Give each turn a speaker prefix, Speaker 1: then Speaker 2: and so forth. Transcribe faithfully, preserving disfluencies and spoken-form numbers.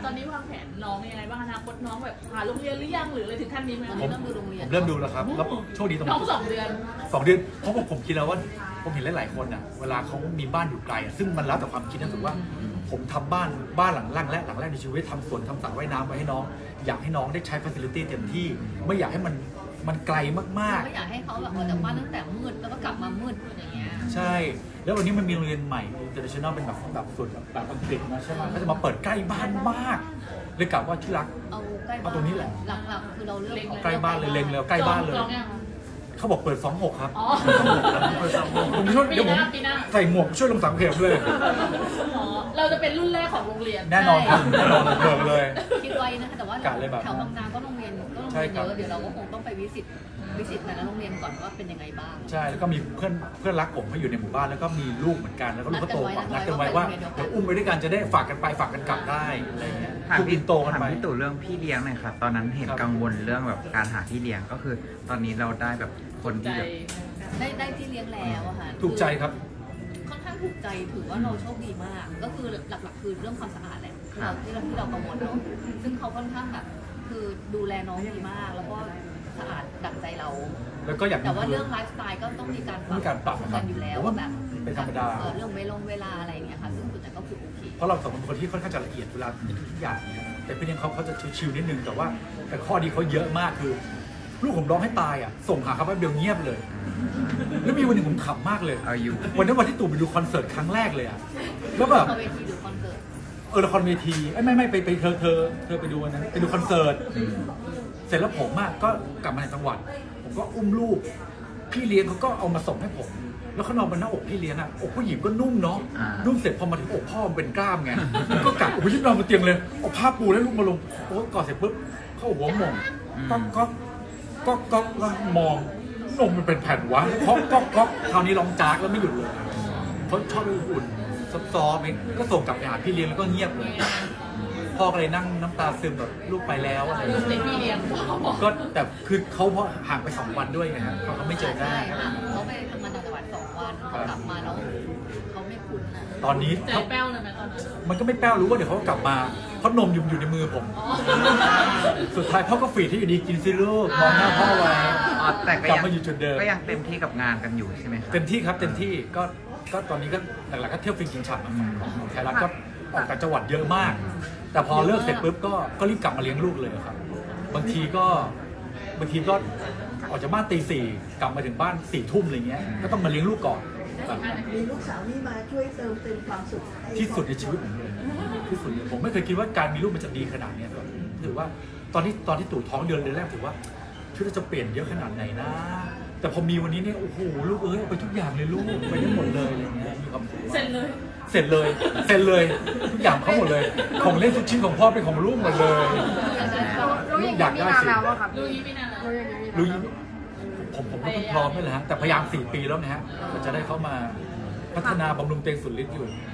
Speaker 1: ตอนนี้วางแผนน้องยังไงบ้างอนาคตน้องแบบหาโรงเรียนหรือยังหรืออะไรถึงขั้นนี้ไหม
Speaker 2: ผม
Speaker 1: เริ่มดูโรงเรียน
Speaker 2: ผมเริ่มดูแล้วครับแล้วโชคดีตรง
Speaker 1: น้องสองเดือน
Speaker 2: สองเดือนเพราะผมผมคิดแล้วว่าผมเห็นหลายๆคนอ่ะเวลาเขามีบ้านอยู่ไกลอ่ะซึ่งมันแล้วแต่ความคิดนะถือว่าผมทำบ้านบ้านหลังแรกและหลังแรกในชีวิตทำสวนทำสระว่ายน้ำไว้ให้น้องอยากให้น้องได้ใช้ฟัซิลิตี้เต็มที่ไม่อยากให้มันมันไกลมากๆ
Speaker 3: ไม่อยากให้เขาแบบออกจากบ้านตั้งแต่มืดแล้วก็กลับมามืดอย่างเงี้ย
Speaker 2: ใช่ แล้ววันนี้มันมีโรงเรียนใหม่ international เป็นแบบแบบส่วนแบบอังกฤษนะใช่ไหมก็จะมาเปิดใกล้บ้านมากเลยกลับว่าที่รัก
Speaker 3: เอาใกล้บ้าน
Speaker 2: เอาตรงนี้แหละ
Speaker 3: หลักๆคือเราเลือก
Speaker 2: ใกล้บ้านเลยเล็งแล้วใกล้บ้านเลย
Speaker 1: จองยัง
Speaker 2: เขาบอกเปิดสองหกครับ
Speaker 1: อ๋อ
Speaker 2: เปิดสองหกผมช่วย
Speaker 1: ปี
Speaker 2: เดี๋ยว
Speaker 1: ห
Speaker 2: ผม
Speaker 1: น้าปีหน้า
Speaker 2: ใส่หมวกช่วยลงสังเกตเลย
Speaker 1: อ๋อเราจะเป็นรุ่นแรกของโรงเรียน
Speaker 2: แน่นอนครับแน่นอนเบิกเลย
Speaker 3: คิดไว้นะคะแต่ว่า
Speaker 2: ะเลยแบบ
Speaker 3: แถวบางนาก็โรงเรียนก็โรง
Speaker 2: ใช่
Speaker 3: เรียน
Speaker 2: ครั
Speaker 3: เย
Speaker 2: บ
Speaker 3: อะเดี๋ยวเราก็คงต้องไปวิสิตวิสิตแต่ละโรงเรียนก่อนว่าเป็นยังไงบ้าง
Speaker 2: ใช่แล้วก็มีเพื่อนเพื่อนรักผมเขาอยู่ในหมู่บ้านแล้วก็มีลูกเหมือนกันแล้วก็ลูกก็โตกว่านัดกันไว้ว่าเดี๋ยวอุ้มไปด้วยกันจะได้ฝากกันไปฝากกันกลับได้อะไรอย่างเงี้ย
Speaker 4: ถาม
Speaker 2: ลูก
Speaker 4: พี่
Speaker 2: โตกัน
Speaker 4: ถาม
Speaker 2: ไป
Speaker 4: พี่ตู่เรื่องพี่เลี้ยงหน่อยครับตอนนั้นเห็น
Speaker 2: ครับ
Speaker 4: กังวลเรื่องแบบการหาพี่เลี้ยงก็คือ ตอนนี้เราได้แบบคน
Speaker 1: ใจ
Speaker 4: ที่แบบ
Speaker 3: ได้ได้ที่เลี้ยงแล้วอะค่ะ
Speaker 2: ถูกใจครับ
Speaker 3: ค่อนข้างถูกใจถือว่าเราโชคดีมาก ก็คือหลักๆ คือเรื่องความสะอาดแหละที่เราที่เราที่เรากังวลเนาะซึ่งเขาค่อนข้างแบบคือดูแลน้องดีมาก แล้วก็สะอาดดั่งใจเรา
Speaker 2: แล้วก็อยาก
Speaker 3: แต่ว่าเรื่องไลฟ์สไตล์ก็ต้องมีการ
Speaker 2: มีการปรับนะค
Speaker 3: กั
Speaker 2: รับ
Speaker 3: นอยู่แล้ว
Speaker 2: ผมว่า
Speaker 3: แบบ
Speaker 2: เป็นธรรมดา
Speaker 3: เออเรื่องเวลงเวลาอะไรอย่างเงี้ยค่ะซึ่งส่วนใหญ่ก็คือโอเค
Speaker 2: เพราะเราสองคนเป็นคนที่ค่อนข้างจะละเอียดเวลาในทุกๆอย่างเนี่ยแต่พี่เลี้ยงเขาเขาจะชิวๆนิดนึงแต่ว่าแต่ข้อดีเขาเยอะมากคือ ลูกผมร้องให้ตายอ่ะส่งหาเขาแป๊บเดียวเงียบเลย แล้วมีวันหนึ่งผมขำมากเลย
Speaker 4: เอาอยู่
Speaker 2: วันนั้นวันที่ตู่ไปดูคอนเสิร์ตครั้งแรกเลยอ่ะแล้วแบบ
Speaker 3: เขาเวทีหรือคอนเสิร์ต
Speaker 2: เออละครเวทีเอ้ยไม่ไม่ไปไปเธอเธอเธอไปดูวันนั้นไปดูคอนเสิร์ตเสร็จแล้วผมอ่ะก็กลับมาในจังหวัด ผมก็อุ้มลูก พี่เลี้ยงเขาก็เอามาส่งให้ผม แล้วเขานอนบนหน้าอกพี่เลี้ยงอ่ะอกผู้หญิงก็นุ่มเนาะ
Speaker 4: อ่า
Speaker 2: นุ่มเสร็จพอมาถึงอกพ่อมันเป็นกล้ามไง ก็กัดโอ้ยนอนบนเตียงเลยเอาผ้าปูแล้วลูกมาลงโอ้กอดเสร็จปุ๊บเข้าหัวหมองก็ก็ก็ก็ก็มองนมมันเป็นแผ่นวะก็ก็ก็คราวนี้ร้องจากแล้วไม่หยุดเลยเขาชอบไปอุ่นซอฟๆเองก็ส่งกลับไปหาพี่เลี้ยงแล้วก็เงียบเลยพ่อก็เลยนั่งน้ำตาซึมแบบลูกไปแล้วอะไรอย่าง
Speaker 1: ลู
Speaker 2: เงี้
Speaker 1: ก
Speaker 2: ย
Speaker 1: ติดพี่เลี้ยงเขาบอก
Speaker 2: ก็แต่คือเขาเพราะห่างไปสองวันด้วยไงฮะเขาก็ไม่เจอหน้า
Speaker 3: ใช่ค่ะเขาไปทำงานต่างจังหวัดสองวันเขากลับมาแล้วเขาไม่คุ้นนะ
Speaker 2: ตอนนี้
Speaker 1: ใจแป้วเลยไหมตอนนั้น
Speaker 2: มันก็ไม่แป้วรู้ว่าเดี๋ยวเขาก็กลับมาเพราะนมอยู่อยู่ในมือผม
Speaker 1: อ๋อ
Speaker 2: สุดท้ายพ่อก็ฝีดที่อยู่ดีกินซิลูกมองหน้าพ่อไว้
Speaker 4: อ๋อแต่ก็
Speaker 2: กลับ
Speaker 4: ยัง
Speaker 2: มาอยู่จุดเดิม
Speaker 4: ก็ยังเต็มที่กับงานกันอยู่ใช่ไหมครับ
Speaker 2: เต็มที่ครับเต็มที่ก็ก็ตอนนี้ก็หลักๆก็เที่ยวฟินกินฉับของของไทยรัฐก็ออกต่างจังหวัดเยอะมาก แต่พอเลิกเสร็จปุ๊บก็ก็รีบกลับมาเลี้ยงลูกเลยครับ บางทีก็บางทีก็ออกจากบ้านตีสี่กลับมาถึงบ้านสี่ทุ่มอะไรเงี้ยก็ต้องมาเลี้ยงลูกก่อนแบบ
Speaker 5: มีลูกสาวนี่มาช่วยเติมเต็มความสุขให้
Speaker 2: ที่สุดในชีวิตผมเลยที่สุดเลยผมไม่เคยคิดว่าการมีลูกมันจะดีขนาดเนี้ยครับถือว่าตอนที่ตอนที่ตู่ท้องเดือนเดือนแรกถือว่าชีวิตเราจะเปลี่ยนเยอะขนาดไหนนะ แต่พอมีวันนี้เนี่ยโอ้โหลูกเอ้ยเอาไปทุกอย่างเลยลูกไปได้หมดเลยอะไรเงี้ยมีความสุขมาก
Speaker 1: เสร็จเลย
Speaker 2: เสร็จเลยเสร็จเลยทุกอย่างเขาหมดเลย ของเล่นทุกชิ้นของพ่อเป็นของลูกหมดเลย
Speaker 6: รู้อย่างนี้มีนานแล้วอะครับ
Speaker 1: รู้ยี่ไม่นานแล้ว
Speaker 6: รู้อย่างนี้มีนาน
Speaker 2: รู้
Speaker 6: แล้ว
Speaker 2: ผมผมก็เพิ่งพร้อมนี่แหละฮะแต่พยายามสี่ปีแล้วนะฮะมันจะได้เข้ามาพัฒนาบำรุงเตงสุดฤทธิ์อยู่
Speaker 6: ค